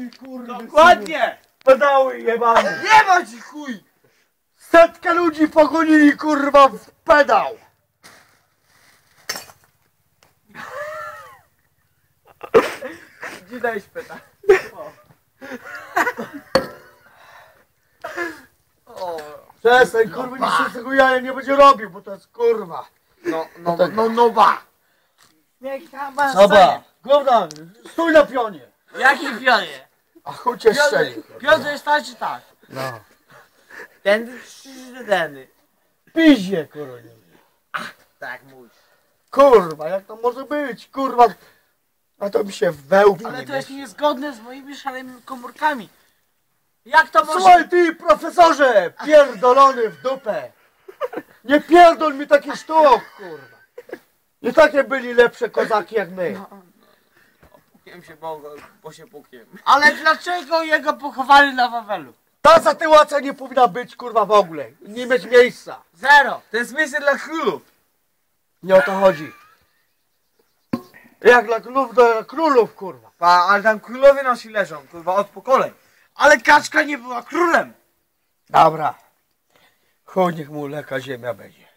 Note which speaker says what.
Speaker 1: mi kurwa.
Speaker 2: Dokładnie!
Speaker 1: Pedały jebane.
Speaker 2: Nie ma ci chuj!
Speaker 1: Setkę ludzi pogonili kurwa w pedał.
Speaker 2: Gdzie dajesz pyta?
Speaker 1: Przestań kurwa, nic się z tego jaja nie będzie robił, bo to jest kurwa.
Speaker 2: No ba! Niech tam ma
Speaker 1: Soba, gówna, stój na pionie.
Speaker 2: Jaki pionie?
Speaker 1: A chuj cię strzeli.
Speaker 2: Piotr jest tak czy tak?
Speaker 1: No.
Speaker 2: Tędy czy tędy?
Speaker 1: Piździe kurwa.
Speaker 2: Tak mój.
Speaker 1: Kurwa, jak to może być, kurwa. A to mi się wełbi
Speaker 2: Ale
Speaker 1: nie
Speaker 2: to jest
Speaker 1: mieści.
Speaker 2: niezgodne z moimi szalonymi komórkami. Jak to może...
Speaker 1: Słuchaj ty, profesorze, pierdolony w dupę. Nie pierdol mi takich sztuk, kurwa. Nie takie byli lepsze kozaki jak my.
Speaker 2: Pukiem się, bo się pukiem. Ale dlaczego jego pochowali na Wawelu?
Speaker 1: Ta sytuacja nie powinna być, kurwa, w ogóle. Nie mieć miejsca.
Speaker 2: Zero! To jest miejsce dla królów.
Speaker 1: Nie o to chodzi. Jak dla królów, do królów, kurwa.
Speaker 2: Ale tam królowie nasi leżą, kurwa, od pokoleń. Ale kaczka nie była królem.
Speaker 1: Dobra. Chuj, niech mu leka ziemia będzie.